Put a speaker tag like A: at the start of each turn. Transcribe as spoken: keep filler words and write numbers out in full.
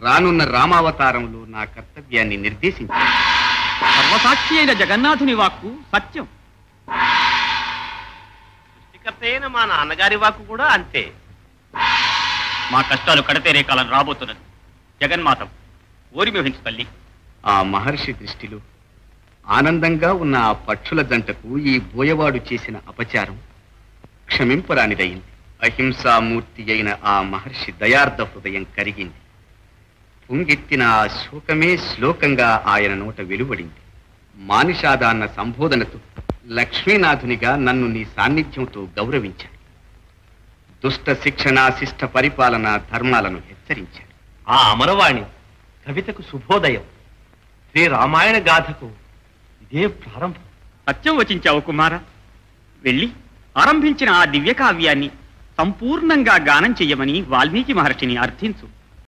A: రానున్న రామావతారంలో నా కర్తవ్యాన్ని నిర్దేశించాడు.
B: సర్వసాక్షి అయిన జగన్నాథుని వాక్కు సత్యం.
C: సృష్టికర్త అయిన మా నాన్నగారి వాక్కు కూడా అంతే.
B: మా కష్టాలు కడతేరే కాలం రాబోతున్నది. జగన్మాతం ఓరిమిహించు తల్లి.
A: ఆ మహర్షి దృష్టిలో ఆనందంగా ఉన్న ఆ పక్షుల జంటకు ఈ బోయవాడు చేసిన అపచారం క్షమింపరానిదయింది. అహింసామూర్తి అయిన ఆ మహర్షి దయార్థ హృదయం కరిగింది. పొంగెత్తిన ఆ శోకమే శ్లోకంగా ఆయన నోట వెలువడింది. మానిషాద అన్న సంబోధనతో లక్ష్మీనాథునిగా నన్ను నీ సాన్నిధ్యంతో గౌరవించాడు. దుష్ట శిక్షణ, శిష్ట పరిపాలన ధర్మాలను హెచ్చరించాడు.
C: ఆ అమరవాణి కవితకు శుభోదయం. శ్రీ రామాయణ గాథకు ఇదే ప్రారంభం.
B: సత్యం వచించావు కుమార. వెళ్ళి ఆరంభించిన ఆ దివ్య కావ్యాన్ని సంపూర్ణంగా గానం చెయ్యమని వాల్మీకి మహర్షిని అర్థించు.